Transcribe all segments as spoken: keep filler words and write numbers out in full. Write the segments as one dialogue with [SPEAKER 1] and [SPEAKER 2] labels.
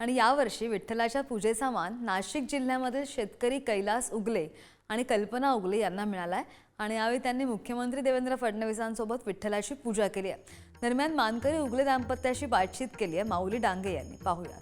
[SPEAKER 1] आणि यावर्षी विठ्ठलाच्या पूजेचा मान नाशिक जिल्ह्यामधील शेतकरी कैलास उगले आणि कल्पना उगले यांना मिळाला आहे आणि यावेळी त्यांनी मुख्यमंत्री देवेंद्र फडणवीसांसोबत विठ्ठलाची पूजा केली आहे। दरम्यान मानकरी उगले दाम्पत्याशी बातचीत केली आहे माऊली डांगे यांनी। पाहूयात।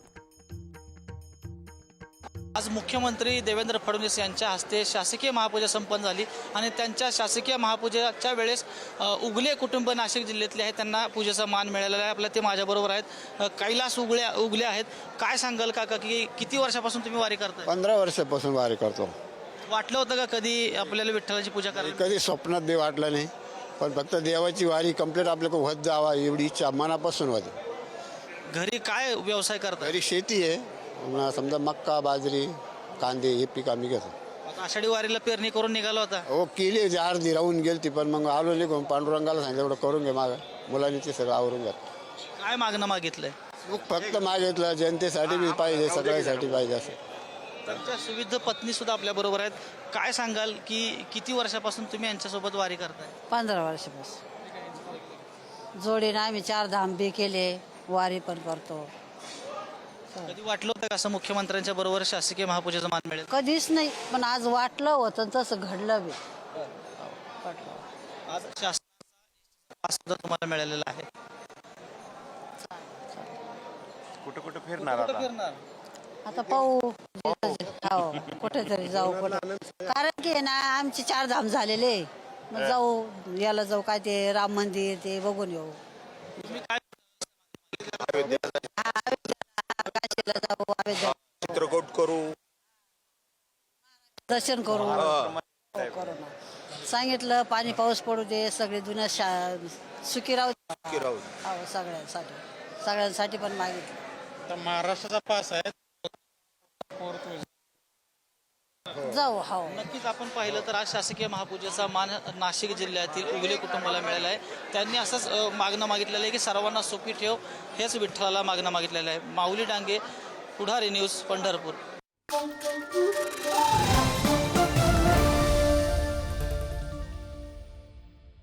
[SPEAKER 2] आज मुख्यमंत्री देवेंद्र फडणवीस यांच्या हस्ते शासकीय महापूजा संपन्न झाली आणि त्यांच्या शासकीय महापूजेच्या वेळेस उगले कुटुंब नाशिक जिल्ह्यातले आहेत, त्यांना पूजेचा मान मिळालेला आहे। आपल्या ते माझ्याबरोबर आहेत, कैलास उगले उगले आहेत। काय सांगाल काका की किती वर्षापासून तुम्ही वारी करताय?
[SPEAKER 3] पंधरा वर्षापासून वारी करतो।
[SPEAKER 2] वाटलं होतं का कधी आपल्याला विठ्ठलाची पूजा करायला?
[SPEAKER 3] कधी स्वप्नात देव वाटलं नाही, पण फक्त देवाची वारी कंप्लीट आपल्याकडे होत जावा एवढी इच्छा मनापासून होती।
[SPEAKER 2] घरी काय व्यवसाय करता?
[SPEAKER 3] घरी शेती आहे, समजा मक्का बाजरी कांदे हे पीक आम्ही घेतो।
[SPEAKER 2] आषाढी वारीला पेरणी करून निघाला होता?
[SPEAKER 3] हो केली, अर्धी राहून गेली ती, पण मग आलो निघून पांडुरंगाला सांगितलं एवढं करून घे, माग मुलांनी ते सगळं आवरून घ्या।
[SPEAKER 2] काय मागणं मागितलंय?
[SPEAKER 3] फक्त मागितलं जनतेसाठी बी पाहिजे, सगळ्यासाठी पाहिजे असं।
[SPEAKER 2] त्यांच्या सुविध पत्नी सुद्धा आपल्या बरोबर आहेत। काय सांगाल की किती वर्षापासून तुम्ही यांच्यासोबत वारी करताय?
[SPEAKER 4] पंधरा वर्षापासून जोडीने आम्ही चार धाम बी केले, वारी पण करतो।
[SPEAKER 2] कधी वाटलं होतं का असं मुख्यमंत्र्यांच्या बरोबर शासकीय महापूजेचा मान मिळेल?
[SPEAKER 4] कधीच नाही, पण आज वाटलं होतं तसं घडलं बी।
[SPEAKER 2] आज शासनाचा सुद्धा तुम्हाला मिळालेला आहे।
[SPEAKER 5] कुठं कुठं फिरणार
[SPEAKER 2] कुठं
[SPEAKER 5] आता?
[SPEAKER 2] फिरणार?
[SPEAKER 4] आता पाहू, हो कुठेतरी जाऊ कुठं, कारण की ना आमचे चार धाम झालेले, मग जाऊ याला जाऊ, काय ते राम मंदिर ते बघून येऊ।
[SPEAKER 2] तुम्ही काय
[SPEAKER 4] काशीला जाऊ, अयोध्या
[SPEAKER 5] चित्रकूट करू,
[SPEAKER 4] दर्शन करू। हो, करू ना। सांगितलं पाणी पाऊस पडू दे, सगळे जुन्या शा सुखी राहू
[SPEAKER 5] की राहू
[SPEAKER 4] हो, सगळ्यांसाठी सगळ्यांसाठी पण मागितलं।
[SPEAKER 2] तर महाराष्ट्राचा पास आहे?
[SPEAKER 4] जाऊ हो।
[SPEAKER 2] नक्कीच आपण पाहिलं तर आज शासकीय महापूजेचा मान नाशिक जिल्ह्यातील उगले कुटुंबाला मिळाला आहे। त्यांनी असंच मागणं मागितलेलं आहे की सर्वांना सुखी ठेव, हेच विठ्ठलाला मागणं मागितलेलं आहे। माऊली डांगे, पुढारी न्यूज, पंढरपूर।